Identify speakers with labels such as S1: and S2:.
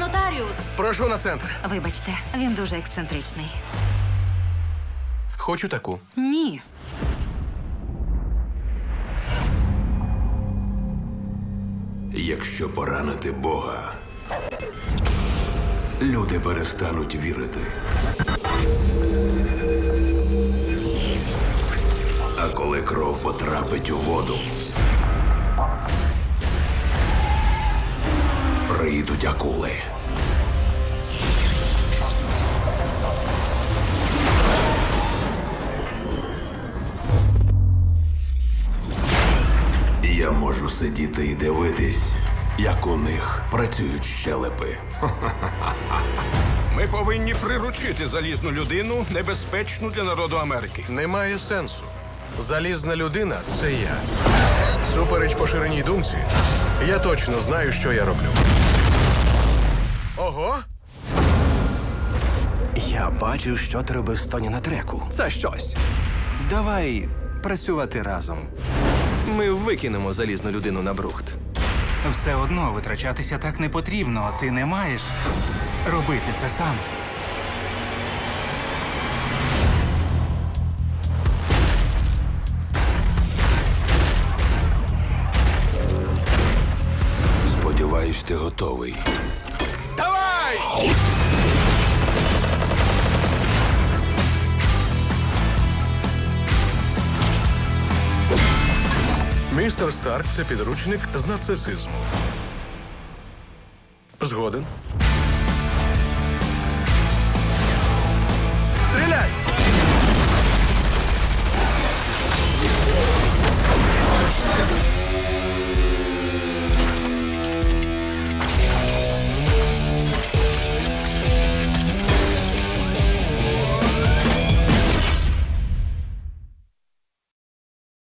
S1: Нотаріус!
S2: Прошу на центр.
S1: Вибачте, він дуже ексцентричний.
S2: Хочу таку.
S1: Ні.
S3: Якщо поранити Бога, люди перестануть вірити. А коли кров потрапить у воду, прийдуть акули. Я можу сидіти і дивитись, як у них працюють щелепи.
S4: Ми повинні приручити залізну людину, небезпечну для народу Америки.
S2: Немає сенсу. Залізна людина – це я. Супереч поширеній думці, я точно знаю, що я роблю. Ого!
S5: Я бачив, що ти робив з Тоні на треку. Це щось. Давай працювати разом. Ми викинемо залізну людину на брухт.
S6: Все одно витрачатися так не потрібно. Ти не маєш робити це сам.
S3: Сподіваюсь, ти готовий.
S2: Давай! Містер Старк – це підручник з нарцисизму. Згоден.